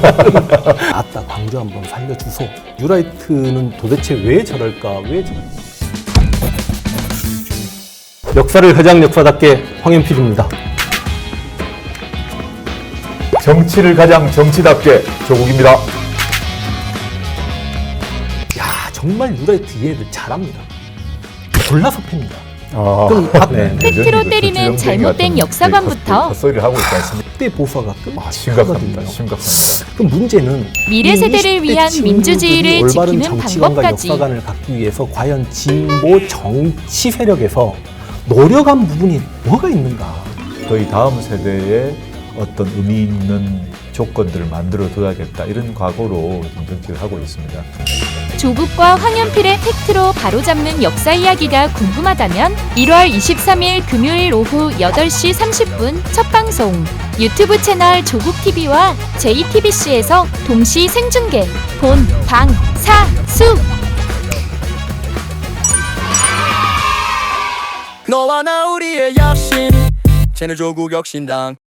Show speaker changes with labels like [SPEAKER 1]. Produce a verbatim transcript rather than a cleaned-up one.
[SPEAKER 1] 아따 광주 한번 살려주소. 뉴라이트는 도대체 왜 저럴까? 왜 저럴까? 역사를 가장 역사답게 황현필입니다.
[SPEAKER 2] 정치를 가장 정치답게 조국입니다.
[SPEAKER 1] 야 정말 뉴라이트 얘네들 잘합니다. 골라서 팹니다.
[SPEAKER 2] 아,
[SPEAKER 1] 그럼
[SPEAKER 2] 네, 네.
[SPEAKER 3] 팩트로 때리는 잘못된 역사관부터
[SPEAKER 2] 헛소리를 하고 있지 않습니까?
[SPEAKER 1] 그때 보수화가
[SPEAKER 2] 아, 심각합니다.
[SPEAKER 1] 끝나거든요.
[SPEAKER 2] 심각합니다.
[SPEAKER 1] 그럼 문제는
[SPEAKER 3] 미래 세대를 위한 민주주의를
[SPEAKER 1] 올바른
[SPEAKER 3] 지키는
[SPEAKER 1] 정치관과
[SPEAKER 3] 방법까지.
[SPEAKER 1] 역사관을 갖기 위해서 과연 진보 정치 세력에서 노력한 부분이 뭐가 있는가?
[SPEAKER 2] 저희 다음 세대에 어떤 의미 있는 조건들을 만들어 둬야겠다 이런 각오로 지금 정치를 하고 있습니다.
[SPEAKER 3] 조국과 황현필의 팩트로 바로잡는 역사 이야기가 궁금하다면 일월 이십삼일 금요일 오후 여덟 시 삼십 분 첫 방송 유튜브 채널 조국티비와 제이티비씨에서 동시 생중계 본, 방, 사, 수
[SPEAKER 4] 너와 나 우리의 약신 채널 조국 혁신당